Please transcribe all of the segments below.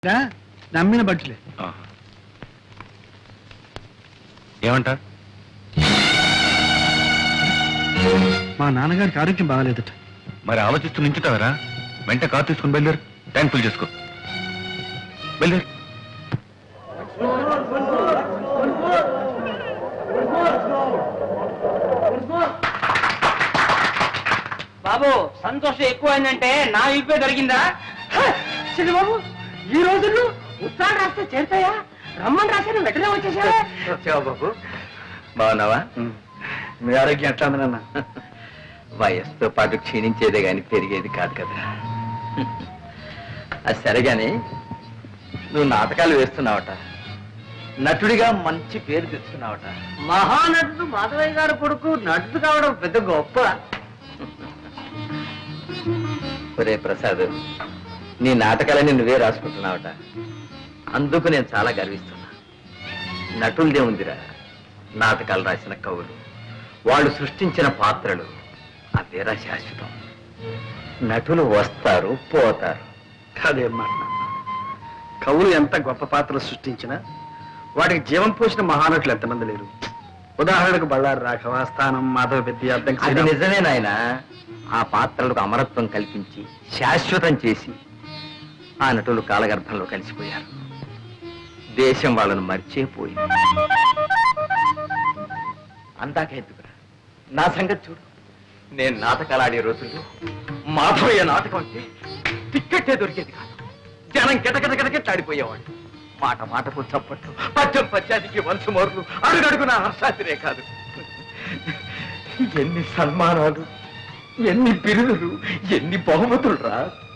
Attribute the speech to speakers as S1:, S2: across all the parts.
S1: నమ్మిన బట్టలే.
S2: ఏమంటారు?
S1: మా నాన్నగారికి ఆరోగ్యం బాగాలేదట.
S2: మరి ఆలోచిస్తూ నించుతావరా? వెంట కారు తీసుకుని బయలుదేరు. ట్యాంక్ ఫుల్ చేసుకో. బయలుదేరు.
S3: బాబు సంతోషం ఎక్కువైందంటే నా ఇప్పే దొరికిందా? బాబు ఈ రోజుల్లో ఉత్తరాలు రాస్తే చేరుతాయా? రమ్మని రాశాను వెంటనే వచ్చేసా.
S4: బాబు బాగున్నావా?
S1: మీ ఆరోగ్యం ఎట్లా ఉంది నాన్న?
S4: వయస్సుతో పాటు క్షీణించేదే గాని పెరిగేది కాదు కదా. అది సరేగాని నువ్వు నాటకాలు వేస్తున్నావట, నటుడిగా మంచి పేరు తెచ్చుకున్నావట.
S3: మహానటుడు మాధవయ్య గారు కొడుకు నటుడు కావడం పెద్ద గొప్ప.
S4: ఒరే ప్రసాద్, నీ నాటకాలని నువ్వే రాసుకుంటున్నావట. అందుకు నేను చాలా గర్విస్తున్నా. నటులదే ఉందిరా, నాటకాలు రాసిన కవులు, వాళ్ళు సృష్టించిన పాత్రలు అవేరా శాశ్వతం. నటులు వస్తారు పోతారు.
S1: కాదేం మాట నాన్న. కవులు ఎంత గొప్ప పాత్రలు సృష్టించినా వాటికి జీవం పోసిన మహానటులు ఎంతమంది లేరు. ఉదాహరణకు బళ్ళారి రాఘవ, స్థానం, మాధవ పెద్ద
S4: అది నిజమే నాయన. ఆ పాత్రలకు అమరత్వం కల్పించి శాశ్వతం చేసి ఆ నటులు కాలగర్భంలో కలిసిపోయారు. దేశం వాళ్ళను మర్చిపోయింది. అందాకెందుకురా, నా సంగతి చూడు. నేను నాటకాలు ఆడే రోజుల్లో మాధవయ్య నాటకం అంటే టిక్కెట్టే దొరికేది కాదు. జనం గిటగిటగిటగిట్లాడిపోయేవాడు. మాట మాటకు చప్పట్లు, పద్యం పద్యానికి వంశమోర్లు, అడుగడుగున హర్షాతిరే కాదు. ఎన్ని సన్మానాలు, ఎన్ని బిరుదులు, ఎన్ని బహుమతులు రా.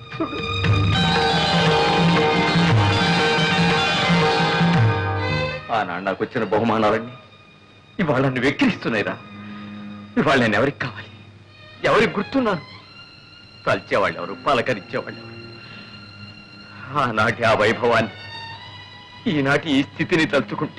S4: ఆనాడు నాకు వచ్చిన బహుమానాలన్నీ ఇవాళ నన్ను వెక్కిరిస్తున్నాయిరా. ఇవాళ నేను ఎవరికి కావాలి, ఎవరికి గుర్తున్నాను? తల్చేవాళ్ళు ఎవరు, పలకరించేవాళ్ళు ఎవరు? ఆనాటి ఆ వైభవాన్ని ఈనాటి ఈ స్థితిని తలుచుకుంటే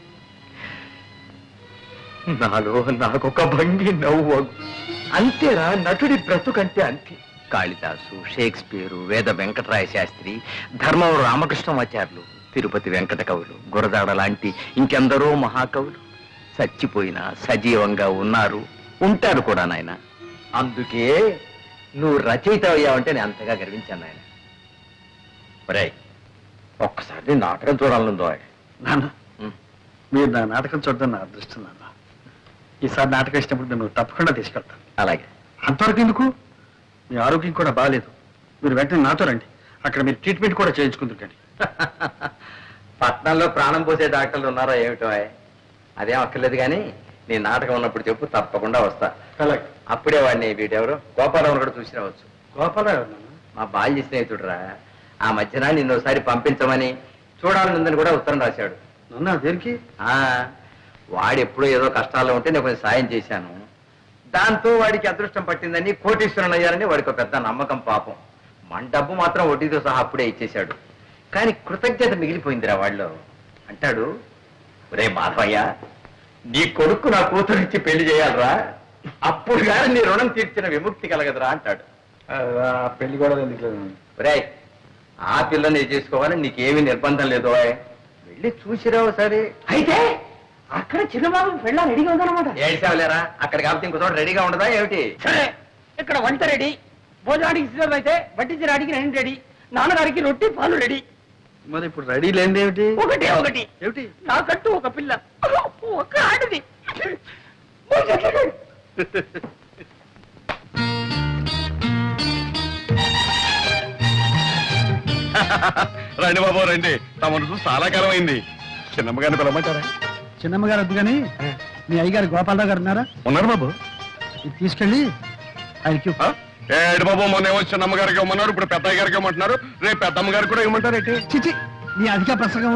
S4: నాలో నాకొక భంగి నవ్వు. అంతేరా నటుడి బ్రతుకంటే అంతే. కాళిదాసు, షేక్స్పియరు, వేద వెంకటరాయ శాస్త్రి, ధర్మవరం రామకృష్ణమాచార్యులు, తిరుపతి వెంకట కవులు, గురదాడ లాంటి ఇంకెందరో మహాకవులు చచ్చిపోయినా సజీవంగా ఉన్నారు, ఉంటారు కూడా నాయన. అందుకే నువ్వు రచయిత అయ్యావంటే నేను అంతగా గర్వించాను నాయన. ఒరేయ్, ఒక్కసారి నాటకం చూడాలనుందో.
S1: నాన్న, మీరు నా నాటకం చూడడం నా అదృష్టం నాన్న. ఈసారి నాటకం ఇచ్చినప్పుడు నువ్వు తప్పకుండా తీసుకెళ్తాను.
S4: అలాగే.
S1: అంతవరకు ఎందుకు? మీ ఆరోగ్యం కూడా బాగాలేదు. మీరు వెంటనే నాతో రండి. అక్కడ మీరు ట్రీట్మెంట్ కూడా చేయించుకుంటుంటండి.
S4: పట్నంలో ప్రాణం పోసే డాక్టర్లు ఉన్నారా ఏమిటో? అదేం అక్కర్లేదు కానీ నీ నాటకం ఉన్నప్పుడు చెప్పు, తప్పకుండా వస్తా.
S1: అలాగే.
S4: అప్పుడే వాడిని వీటెవరు గోపాలరావు కూడా చూసి రావచ్చు.
S1: గోపాలరావు
S4: మా బాల్య స్నేహితుడురా. ఆ మధ్యన నిన్నోసారి పంపించమని చూడాలనుందని కూడా ఉత్తరం రాశాడు.
S1: నాన్న దేనికి?
S4: వాడెప్పుడో ఏదో కష్టాల్లో ఉంటే నేను కొంచెం సాయం చేశాను. దాంతో వాడికి అదృష్టం పట్టిందని, కోటీశ్వరుని అయ్యారని వాడికి ఒక పెద్ద నమ్మకం. పాపం మన డబ్బు మాత్రం వడ్డీతో సహా అప్పుడే ఇచ్చేశాడు. కానీ కృతజ్ఞత మిగిలిపోయిందిరా వాళ్ళు. అంటాడు, రే మాధవయ్య, నీ కొడుకు నా కూతురిచ్చి పెళ్లి చేయాలరా, అప్పుడు కానీ నీ రుణం తీర్చిన విముక్తి కలగదురా అంటాడు.
S1: పెళ్లి కూడా ఎందుకు?
S4: రే, ఆ పిల్లని చేసుకోవాలని నీకేమీ నిర్బంధం లేదు. వెళ్ళి చూసిరావు సరే.
S3: అయితే అక్కడ చిన్నబాబు పెళ్ళ రెడీగా ఉందన్నమాట.
S4: ఏడ్చావులేరా, అక్కడ కాబట్టి ఇంకో చోట రెడీగా ఉండదా ఏమిటి?
S3: సరే, ఇక్కడ వంట రెడీ, భోజనానికి సిద్ధం అయితే వడ్డించడానికి రెండు రెడీ, నాన్నగారికి రొట్టి పాలు రెడీ.
S1: మరి ఇప్పుడు రెడీ లేనిది ఏమిటి?
S3: ఒకటే ఒకటి
S1: ఏమిటి?
S3: నాకంటూ ఒక పిల్ల, ఒక ఆడది.
S2: రండి బాబు రండి. తమను చూసి చాలా కాలం అయింది. చిన్నమ్మగారిని పిలవమంటారా?
S1: చిన్నమ్మగారు వద్దు కానీ మీ అయ్యగారు గోపాలరావు గారు ఉన్నారా?
S2: ఉన్నారు బాబు.
S1: ఇది తీసుకెళ్ళి ఆయనకి
S2: ఏడు బాబు, మొన్న ఏమో చిన్నమ్మగారికి ఇవ్వమన్నారు, ఇప్పుడు పెద్దయ్య గారికి ఇవ్వమంటున్నారు, రేపు పెద్దమ్మ గారికి కూడా ఇవ్వమంటారు.
S1: చిచి, నీ అధిక ప్రసంగం